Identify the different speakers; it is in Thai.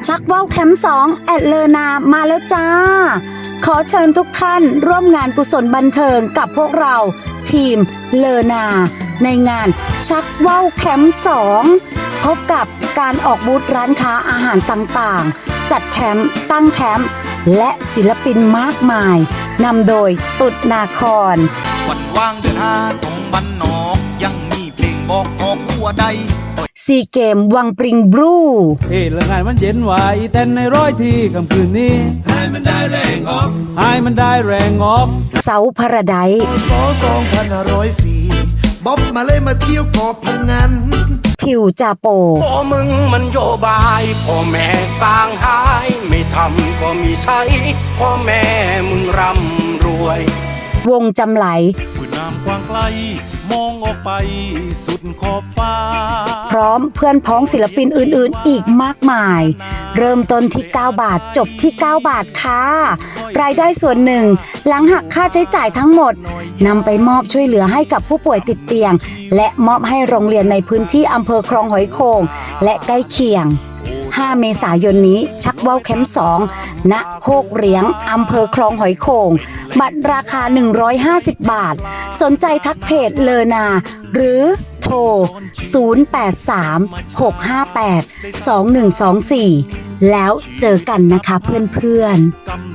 Speaker 1: ชักว่าวแคมป์2แอดเลอนามาแล้วจ้าขอเชิญทุกท่านร่วมงานกุศลบันเทิงกับพวกเราทีมเลอนาในงานชักว่าวแคมป์2พบกับการออกบูธร้านค้าอาหารต่างๆจัดแคมป์ตั้งแคมป์และศิลปินมากมายนำโดยตุดนาคร
Speaker 2: วันว่างเดินหาตรงบ้านนอกยังมีเพลงบอกออกหัวใด
Speaker 1: ซีเกมวังปริงบลู
Speaker 3: เฮ้เรื่องงานมันเย็นไหวแต่ในร้อยที่ค่ำคืนนี้ให้มันได้แรงออก
Speaker 1: เสาพระได
Speaker 4: บ๊อบมาเลยมาเที่ยวเกาะพังงาน
Speaker 1: ทิวจาโป
Speaker 2: พ่อมึงมันโยบายพ่อแม่สร้างหายไม่ทำก็มีใช้พ่อแม่มึงร่ำรวยว
Speaker 1: งจำไหล
Speaker 3: คือน้ำกว้างไกลมองออกไปสุดขอบฟ้า
Speaker 1: พร้อมเพื่อนพ้องศิลปินอื่นๆอีกมากมายเริ่มต้นที่9 บาทจบที่9 บาทค่ะรายได้ส่วนหนึ่งหลังหักค่าใช้จ่ายทั้งหมดนำไปมอบช่วยเหลือให้กับผู้ป่วยติดเตียงและมอบให้โรงเรียนในพื้นที่อำเภอคลองหอยโข่งและใกล้เคียง5 เมษายนนี้ชักว่าวแคมป์2ณโคกเหรียงอำเภอคลองหอยโข่งบัตรราคา150 บาทสนใจทักเพจเลอนาหรือโทร0836582124แล้วเจอกันนะคะเพื่อนๆ